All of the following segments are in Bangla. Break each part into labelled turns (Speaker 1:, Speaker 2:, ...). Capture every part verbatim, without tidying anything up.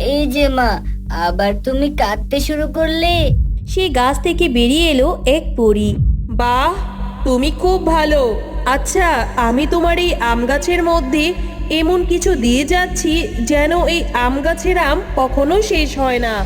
Speaker 1: এই যে মা, আবার তুমি কাঁদতে শুরু করলে।
Speaker 2: সে গাছ থেকে বেরিয়ে এলো এক পরী।
Speaker 3: বাহ, তুমি খুব ভালো। আচ্ছা, আমি তোমার এই আম গাছের মধ্যে এমন কিছু দিয়ে যাচ্ছি যেন এই আম গাছের আম কখনো শেষ হয় না।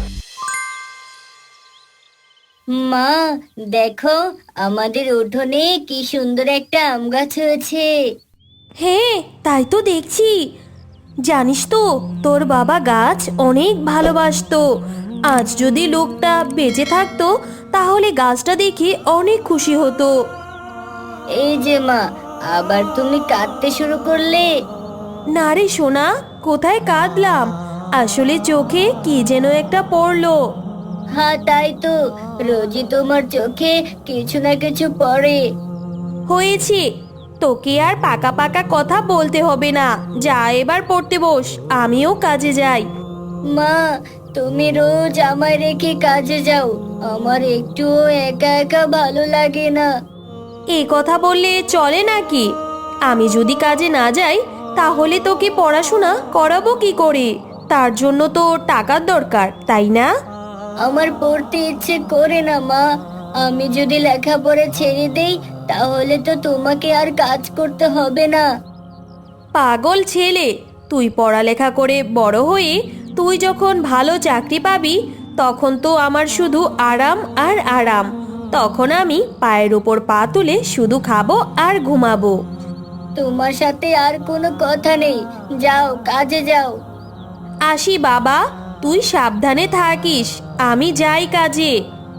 Speaker 1: মা, দেখো আমাদের উঠোনে কি সুন্দর একটা আম গাছ হয়েছে।
Speaker 2: হ্যাঁ, তাই তো দেখছি। জানিস তো, তোর বাবা গাছ অনেক ভালোবাসতো। আজ যদি লোকটা বেঁচে থাকতো তাহলে গাছটা দেখে অনেক খুশি হতো।
Speaker 1: এই যে মা, আবার তুমি কাঁদতে শুরু করলে।
Speaker 2: না রে সোনা, কোথায় কাঁদলাম? আসলে চোখে কি যেন একটা পড়লো।
Speaker 1: হ্যাঁ তাই তো, রোজই তোমার চোখে কিছু না কিছু পড়ে।
Speaker 2: হয়েছে, তোকে আর পাকা পাকা কথা বলতে হবে না। যা এবার পড়তে বস, আমিও কাজে যাই।
Speaker 1: মা, তুমি রোজ আমায় রেখে কাজে যাও, আমার একটুও একা একা ভালো লাগে না।
Speaker 2: এই কথা বললে চলে নাকি? আমি যদি কাজে না যাই তাহলে তোকে পড়াশোনা করাবো কি করে? তার জন্য তো টাকার দরকার, তাই না?
Speaker 1: আমার পড়তে ইচ্ছে করে না মা। আমি যদি লেখাপড়া ছেড়ে দেই তাহলে তো তোমাকে আর কাজ করতে হবে না।
Speaker 2: পাগল ছেলে, তুই পড়ালেখা করে বড় হয়ে তুই যখন ভালো চাকরি পাবি তখন তো আমার শুধু আরাম আর আরাম। তখন আমি পায়ের উপর পা তুলে শুধু খাবো আর ঘুমাবো।
Speaker 1: তোমার সাথে আর কোনো কথা নেই, যাও কাজে যাও।
Speaker 2: আসি বাবা, তুই সাবধানে থাকিস। আমি যাই কাজে।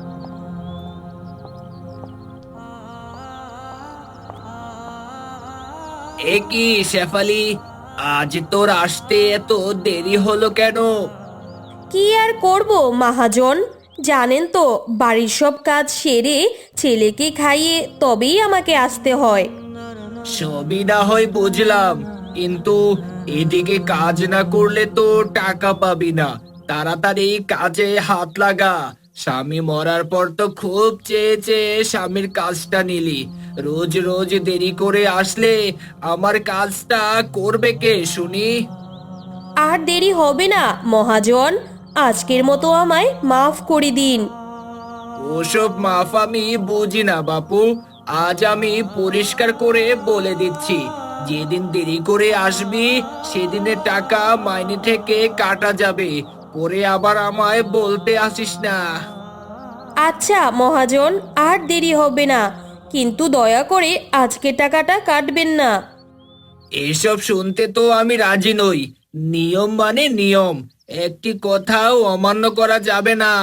Speaker 4: এ কি শেফালি, আজ তোর আসতে এত দেরি হলো কেন?
Speaker 2: কি আর করব মহাজন, জানেন তো বাড়ির সব কাজ সেরে ছেলেকে খাইয়ে তবেই আমাকে আসতে হয়।
Speaker 4: সবই না হয় বুঝলাম, কিন্তু এদিকে কাজ না করলে তো টাকা পাবি না। তাড়াতাড়ি কাজে হাত লাগা। স্বামী মরার পর তো খুব চেয়ে চেয়ে স্বামীর কাজটা নিলি। রোজ রোজ দেরি করে আসলে আমার কাজটা করবে কে শুনি?
Speaker 2: আর দেরি হবে না মহাজন, আজকের মতো আমায় মাফ করে দিন।
Speaker 4: ওসব মাফ আমি বুঝি না বাপু। আজ আমি পরিষ্কার করে বলে দিচ্ছি, যেদিন দেরি করে আসবি সেদিনের টাকা মাইনে থেকে কাটা যাবে। পরে আবার আমায় বলতে আসিস না।
Speaker 2: আচ্ছা মহাজন, আর দেরি হবে না, কিন্তু দয়া করে আজকের টাকাটা কাটবেন না।
Speaker 4: এসব শুনতে তো আমি রাজি নই। নিয়ম মানে নিয়ম, একটি কথাও অমান্য করা যাবে না।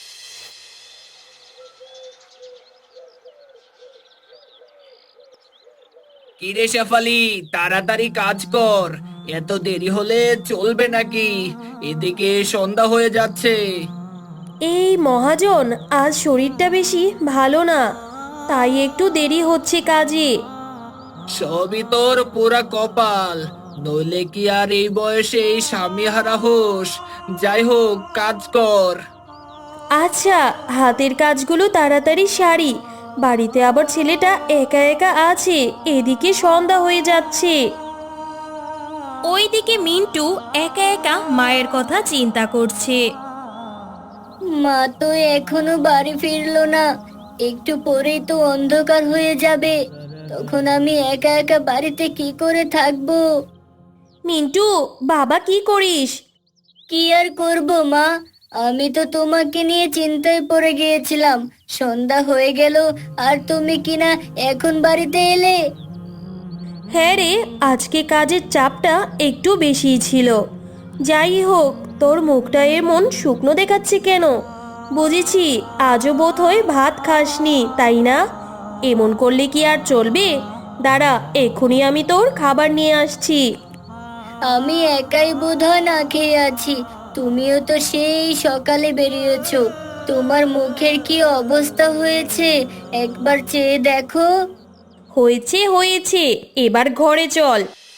Speaker 4: কিরে শেফালি, তাড়াতাড়ি কাজ কর। এত দেরি হলে চলবে নাকি? এদিকে সন্ধ্যা হয়ে যাচ্ছে।
Speaker 2: এই মহাজন, আজ শরীরটা বেশি ভালো না, তাই একটু দেরি হচ্ছে কাজে।
Speaker 4: সবই তোর পুরা কপাল, নইলে কি আর এই বয়সে এই স্বামী হারা হোস? যাই হোক, কাজ কর।
Speaker 2: আচ্ছা, হাতের কাজগুলো তাড়াতাড়ি সারি, বাড়িতে আবার ছেলেটা একা একা আছে, এদিকে সন্ধ্যা হয়ে যাচ্ছে। ওইদিকে মিন্টু একা একা মায়ের কথা চিন্তা করছে।
Speaker 1: মা তো এখনো বাড়ি ফিরলো না, একটু পরেই তো অন্ধকার হয়ে যাবে। তখন আমি একা একা বাড়িতে কি করে থাকবো?
Speaker 2: মিন্টু, বাবা কি করিস?
Speaker 1: কি আর করব মা, আমি তো তোমাকে নিয়ে চিন্তায় পড়ে গিয়েছিলাম। সন্ধ্যা হয়ে গেল আর তুমি কিনা এখন বাড়িতে এলে।
Speaker 2: হ্যাঁ রে, আজকে কাজের চাপটা একটু বেশিই ছিল। যাই হোক, তোর মুখটা এমন শুকনো দেখাচ্ছে কেন? বুঝেছি, আজও বোধ হয় ভাত খাসনি, তাই না? এমন করলে কি আর চলবে? দাঁড়া, এক্ষুনি আমি তোর খাবার নিয়ে আসছি।
Speaker 1: আমি একাই বোধহয় না খেয়ে আছি। তুমিও তো সেই সকালে বেরিয়েছো, তোমার মুখের কি অবস্থা হয়েছে একবার চেয়ে দেখো।
Speaker 2: হয়েছে হয়েছে, এবার ঘরে চল।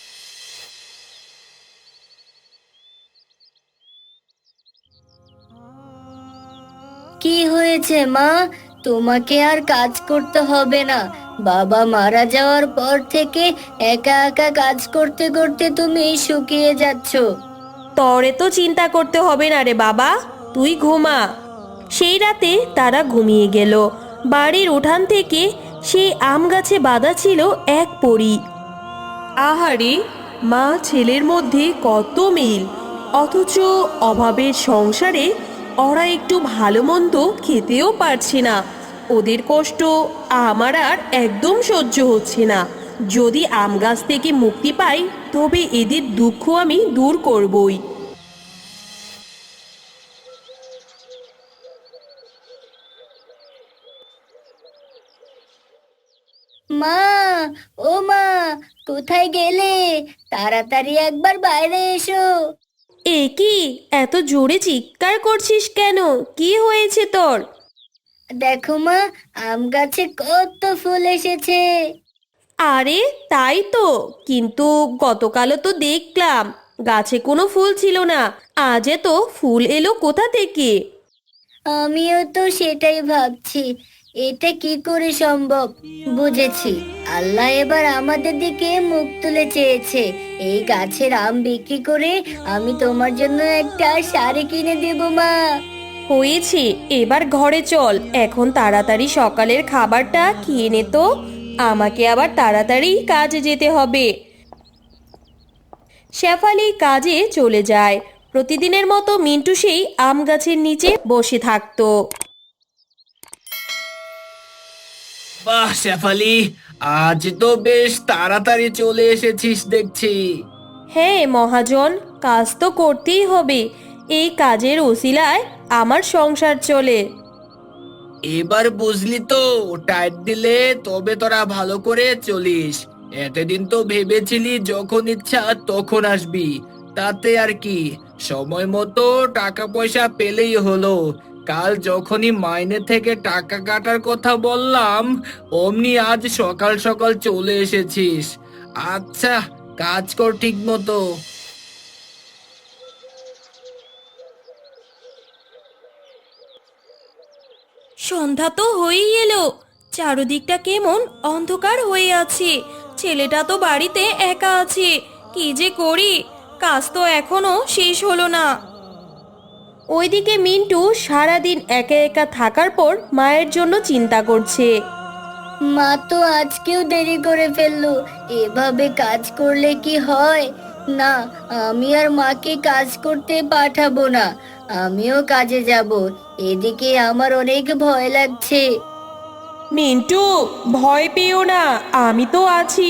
Speaker 1: কি হয়েছে মা? তোমাকে আর কাজ করতে হবে না। বাবা মারা যাওয়ার পর থেকে একা একা কাজ করতে করতে তুমি শুকিয়ে যাচ্ছ।
Speaker 2: তরে তো চিন্তা করতে হবে না রে বাবা, তুই ঘুমা। সেই রাতে তারা ঘুমিয়ে গেল। বাড়ির উঠান থেকে সেই আম গাছে বাঁধা ছিল এক পরী।
Speaker 3: আহারে, মা ছেলের মধ্যে কত মিল, অথচ অভাবের সংসারে ওরা একটু ভালো মন্দ খেতেও পারছে না। ওদের কষ্ট আমার আর একদম সহ্য হচ্ছে না। যদি আম গাছ থেকে মুক্তি পাই তবে এদের দুঃখ আমি দূর করবই।
Speaker 1: মা, ও মা, কোথায় গেলে? তাড়াতাড়ি একবার বাইরে এসো।
Speaker 2: এ কি, এত জোরে চিৎকার করছিস কেন? কি হয়েছে তোর?
Speaker 1: দেখো মা, আম গাছে কত ফুল এসেছে।
Speaker 2: আরে তাই তো, কিন্তু গতকালও তো দেখলাম গাছে কোনো ফুল ছিল না, আজ তো ফুল এলো কোথা থেকে?
Speaker 1: আমিও তো সেটাই ভাবছি, এটা কি করে সম্ভব। বুঝেছি, আল্লাহ এবার আমাদের দিকে মুখ তুলে চেয়েছে। এই গাছের আম বিক্রি করে আমি তোমার জন্য একটা শাড়ি কিনে দেব মা।
Speaker 2: হয়েছে, এবার ঘরে চল। এখন তাড়াতাড়ি সকালের খাবারটা খেয়ে নে তো, আমাকে আবার তাড়াতাড়ি কাজে যেতে হবে। শেফালি কাজে চলে যায়। প্রতিদিনের মতো মিন্টু সেই আম গাছের নিচে বসে থাকতো।
Speaker 4: বাহ শেফালি, আজ তো বেশ তাড়াতাড়ি চলে এসেছিস দেখছি।
Speaker 2: হ্যাঁ মহাজন, কাজ তো করতেই হবে, এই কাজের উসিলায় আমার সংসার চলে।
Speaker 4: এবার বুঝলি তো, টাইট দিলে তবে তোরা ভালো করে চলিস। এতদিন তো ভেবেছিলি যখন ইচ্ছা তখন আসবি, তাতে আর কি, সময় মতো টাকা পয়সা পেলেই হলো। কাল যখনই মাইনে থেকে টাকা কাটার কথা বললাম, অমনি আজ সকাল সকাল চলে এসেছিস। আচ্ছা, কাজ কর ঠিক মতো।
Speaker 2: সন্ধ্যা তো হয়েই এলো, চারদিকটা কেমন অন্ধকার হয়ে আছে। ছেলেটা তো বাড়িতে একা আছে, কি যে করি, কাজ তো এখনো শেষ হলো না। ওইদিকে মিন্টু সারাদিন একা একা থাকার পর মায়ের জন্য চিন্তা করছে।
Speaker 1: মা তো আজকেও দেরি করে ফেললো। এভাবে কাজ করলে কি হয়? না, আমি আর মাকে কাজ করতে পাঠাবো না। আমিও কাজে যাব। এদিকে আমার অনেক ভয় লাগছে।
Speaker 3: মিন্টু, ভয় পেও না, আমি তো আছি।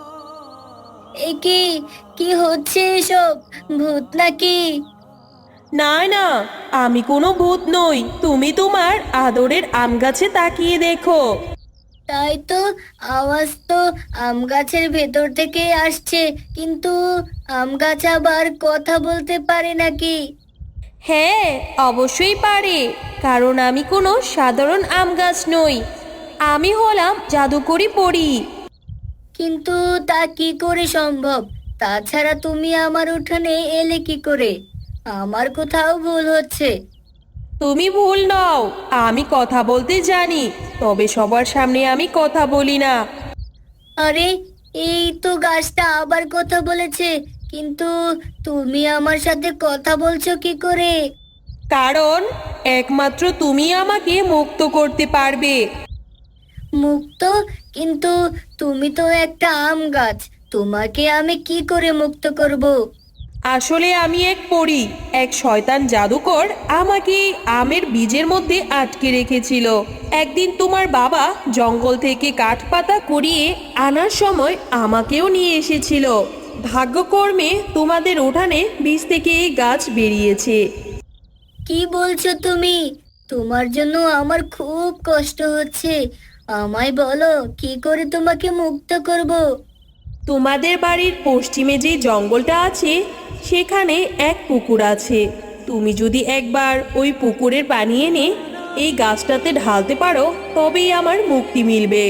Speaker 1: এ কি, কি হচ্ছে এসব? ভূত নাকি?
Speaker 3: না না, আমি কোনো ভূত নই। তুমি তোমার আদরের আম গাছে তাকিয়ে দেখো।
Speaker 1: তাই তো, আওয়াজ তো আম গাছের ভেতর থেকে আসছে, কিন্তু আম গাছ আবার কথা বলতে পারে নাকি?
Speaker 2: হ্যাঁ, অবশ্যই পারে, কারণ আমি কোনো সাধারণ আম গাছ নই, আমি হলাম জাদুকরি পরী।
Speaker 1: কিন্তু তা কি করে সম্ভব? তাছাড়া তুমি আমার উঠানে এলে কি করে? আমার কোথাও ভুল হচ্ছে।
Speaker 3: তুমি ভুল নও, আমি কথা বলতে জানি, তবে সবার সামনে আমি কথা বলি না।
Speaker 1: আরে, এই তো গাছটা আবার কথা বলেছে, কিন্তু তুমি আমার সাথে কথা বলছো কি করে?
Speaker 3: কারণ একমাত্র তুমি আমাকে মুক্ত করতে পারবে।
Speaker 1: মুক্ত? কিন্তু তুমি তো একটা আম গাছ, তোমাকে আমি কি করে মুক্ত করব?
Speaker 3: আসলে আমি এক পরী, এক শয়তান জাদুকর আমাকে আমের বীজের মধ্যে আটকে রেখেছিল। একদিন তোমার বাবা জঙ্গল থেকে কাঠ পাতা কুড়িয়ে আনার সময় আমাকেও নিয়ে এসেছিল। ভাগ্যকর্মে তোমাদের উঠানে বীজ থেকে এই গাছ বেরিয়েছে।
Speaker 1: কি বলছো তুমি? তোমার জন্য আমার খুব কষ্ট হচ্ছে। আমায় বলো, কি করে তোমাকে মুক্ত করব?
Speaker 3: তোমাদের বাড়ির পশ্চিমে যে জঙ্গলটা আছে সেখানে এক পুকুর আছে। তুমি যদি একবার ওই পুকুরের পানি এনে এই গাছটাতে ঢালতে পারো তবেই আমার মুক্তি মিলবে।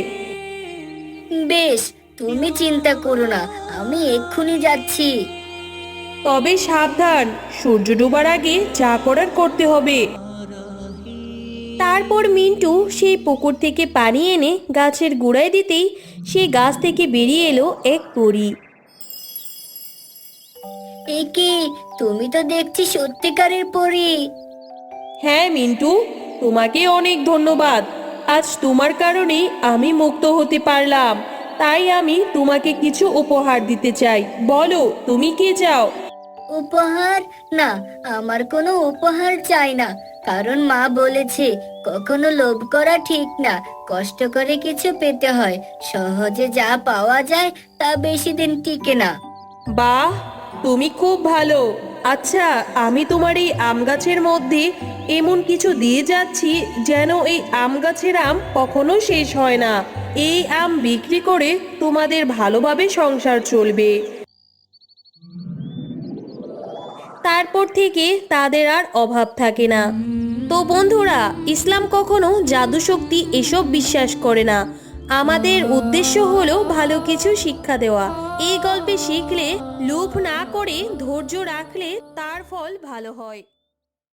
Speaker 1: বেশ, তুমি চিন্তা করো না, আমি এক্ষুনি যাচ্ছি।
Speaker 3: তবে সাবধান, সূর্য ডোবার আগে যা করার করতে হবে।
Speaker 2: তারপর মিন্টু সেই পুকুর থেকে পানি এনে গাছের গোড়ায় দিতেই সেই গাছ থেকে বেরিয়ে এলো এক পরী।
Speaker 1: এ কি, তুমি তো দেখছি সত্যিকারের পরী।
Speaker 3: হ্যাঁ মিন্টু, তোমাকে অনেক ধন্যবাদ। আজ তোমার কারণেই আমি মুক্ত হতে পারলাম। তাই আমি তোমাকে কিছু উপহার দিতে চাই। বলো তুমি কি চাও?
Speaker 1: উপহার? না, আমার কোনো উপহার চাই না। কারণ মা বলেছে কখনো লোভ করা ঠিক না, কষ্ট করে কিছু পেতে হয়। সহজে যা পাওয়া যায় তা বেশি দিন টিকে না।
Speaker 3: বাহ, তুমি খুব ভালো। আচ্ছা, আমি তোমার এই আম গাছের মধ্যে এমন কিছু দিয়ে যাচ্ছি যেন এই আম গাছের আম কখনো শেষ হয় না। এই আম বিক্রি করে তোমাদের ভালোভাবে সংসার চলবে।
Speaker 2: তারপর থেকে তাদের আর অভাব থাকে না। তো বন্ধুরা, ইসলাম কখনো জাদু শক্তি এসব বিশ্বাস করে না। আমাদের উদ্দেশ্য হলো ভালো কিছু শিক্ষা দেওয়া। এই গল্পে শিখলে লোভ না করে ধৈর্য রাখলে তার ফল ভালো হয়।